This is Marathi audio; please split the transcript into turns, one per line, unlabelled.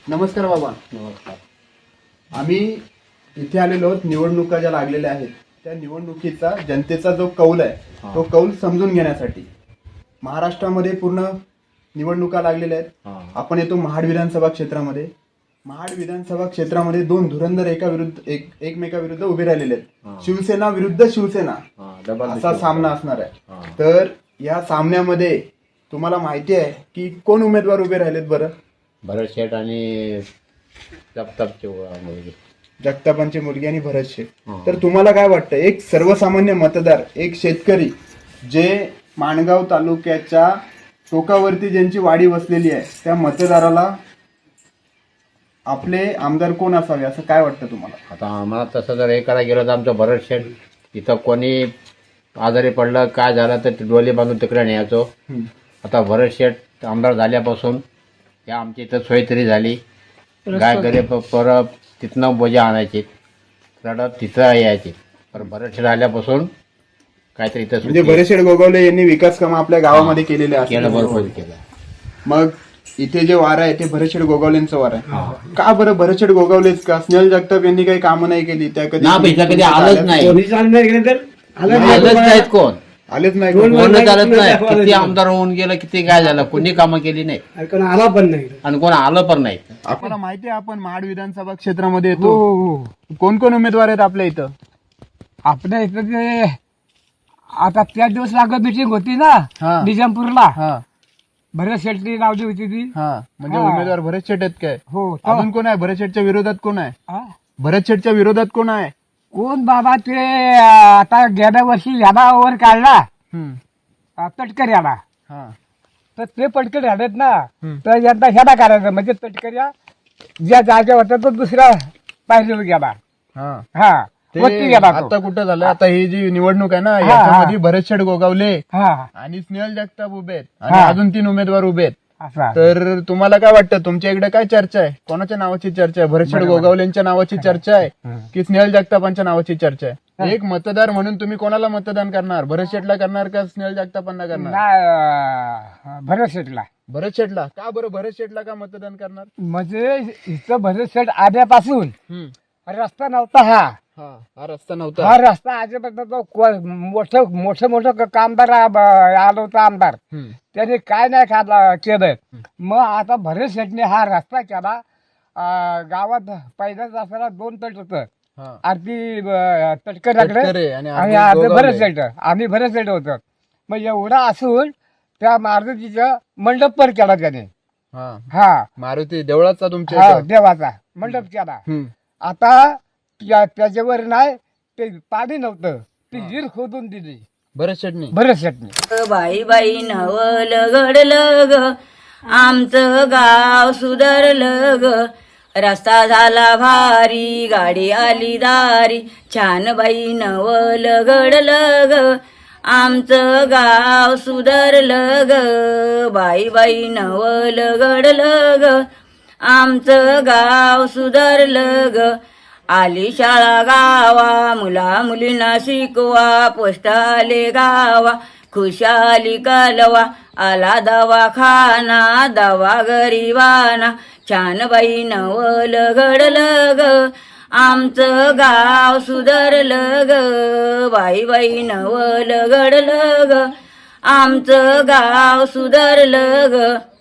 नमस्कार बाबा.
नमस्कार.
आम्ही इथे आलेलो आहोत निवडणुका ज्या लागलेल्या आहेत त्या निवडणुकीचा जनतेचा जो कौल आहे तो कौल समजून घेण्यासाठी. महाराष्ट्रामध्ये पूर्ण निवडणुका लागलेल्या आहेत. आपण येतो महाड विधानसभा क्षेत्रामध्ये. महाड विधानसभा क्षेत्रामध्ये दोन धुरंधर एकमेकाविरुद्ध उभे राहिलेले आहेत. शिवसेना विरुद्ध शिवसेना असा सामना असणार आहे. तर या सामन्यामध्ये तुम्हाला माहिती आहे की कोण उमेदवार उभे राहिलेत बरं?
भरत शेठ आणि जगतापचे मुलगी.
जगतापांची मुलगी आणि भरत शेठ. तर तुम्हाला काय वाटतं, एक सर्वसामान्य मतदार, एक शेतकरी जे माणगाव तालुक्याच्या टोकावरती ज्यांची वाडी वसलेली आहे त्या मतदाराला आपले आमदार कोण असावे असं काय वाटतं तुम्हाला?
आता आम्हाला तसं जर हे करायला गेलं तर आमचं भरत शेठ इथं कोणी आजारी पडलं काय झालं तर डोली बांधून तिकडे न्यायचो. आता भरत शेठ आमदार झाल्यापासून या आमची इथं सोय तरी झाली. गाय घरी परत तिथनं बोजा आणायची, रडत तिथं यायची. पण भरत शेठ आल्यापासून काहीतरी इथं
म्हणजे भरत शेठ गोगावले यांनी विकास कामं आपल्या गावामध्ये केलेले
केलं, भरपूर
असतात.
केलं.
मग इथे जे वार आहे ते भरत शेठ गोगावलेंचं वार आहे. का बरं भरत शेठ गोगावलेच का? स्नेहल जगताप यांनी काही कामं नाही केली त्या कधी?
ना पैसा कधी आलंच नाही. आलंच नाहीत कोण.
आलेच नाही.
कोणच आलंच नाही. किती आमदार होऊन गेलं, किती काय झालं, कोणी कामं केली नाही
आला पण नाही
आणि कोण आलं पण नाही.
आपल्याला माहिती आहे आपण महाड विधानसभा क्षेत्रामध्ये येतो. कोण कोण उमेदवार आहेत आपल्या इथं?
आपल्या इथं ते आता 3 दिवस लागत मिटिंग होती ना
हा.
निजामपूरला.
हा
भरत शेट्टी लावली होती ती.
हा म्हणजे
हा.
उमेदवार भरत शेठ आहेत काय?
हो
अजून कोण आहे? भरत शेठच्या विरोधात कोण आहे?
हा.
भरत शेठच्या विरोधात कोण आहे?
कोण बाबा ते आता गेल्या वर्षी याला वर काढला तटकर याला.
हा
तर ते पटकन राहतात ना.
हम्म.
तर यंदा ह्याला करायचं म्हणजे तटकर्या ज्या जागा होत्या तो दुसरा पाहिजे गेला.
हा
हा
ते
वरती गेला तो.
आता कुठं झालं? आता ही जी निवडणूक आहे ना याच्यामध्ये भरत शेठ गोगावले
हा
आणि स्नेहल जगताप उभे आहेत आणि
हा.
अजून 3 उमेदवार उभे आहेत.
असा
तर तुम्हाला काय वाटतं, तुमच्या इकडे काय चर्चा आहे? कोणाच्या नावाची चर्चा आहे? भरत शेठ गोगावलेंच्या नावाची चर्चा आहे की स्नेहल जगतापांच्या नावाची चर्चा आहे? एक मतदार म्हणून तुम्ही कोणाला मतदान करणार? भरत शेठला करणार का स्नेहल जगतापांना करणार?
नाही भरत शेठला.
भरत शेठला का बरं? भरत शेठला का मतदान करणार?
म्हणजे इथं भरत शेठ आल्यापासून
हम्म.
रस्ता नव्हता हा.
हा रस्ता नव्हता.
हा रस्ता आजपर्यंत मोठं कामदार आलं होतं आमदार.
हम्म.
त्याने काय नाही केलं. मग आता भरत शेठने हा रस्ता केला. गावात पहिल्याच असताना 2 तट होतं.
हा.
आरती तटकऱ्याकडे
तटकरे आणि
आणि
आरती
अर्धे
गोगावले.
भरत शेठ. आम्ही भरत शेठ होतो. मग एवढा असून त्या मारुतीचं मंडप पर केला त्याने.
हा
हा
मारुती देवळाचा तुमच्या
हा
इथं?
देवाचा मंडप केला.
हम्म.
आता त्याच्यावर नाही ते पाणी नव्हतं, ती विहीर खोदून दिली
भरत शेठनी.
भरत शेठने.
बाई बाई नवल घडलं ग, आमचं गाव सुधारलं ग. रस्ता झाला भारी, गाडी आली दारी, छान बाई नवल घडलं ग, आमचं गाव सुधारलं ग. बाई बाई नवल घडलं ग, आमचं गाव सुधारलं ग. आली शाळा गावा, मुला मुलींना शिकवा, पोस्ट आले गावा, खुशाली कालवा, आला दवाखाना, दवा गरीबाना, छान बाई नवल घडलं ग, आमचं गाव सुधारलं ग. बाई बाई नवल घडलं ग, आमचं गाव सुधारलं ग.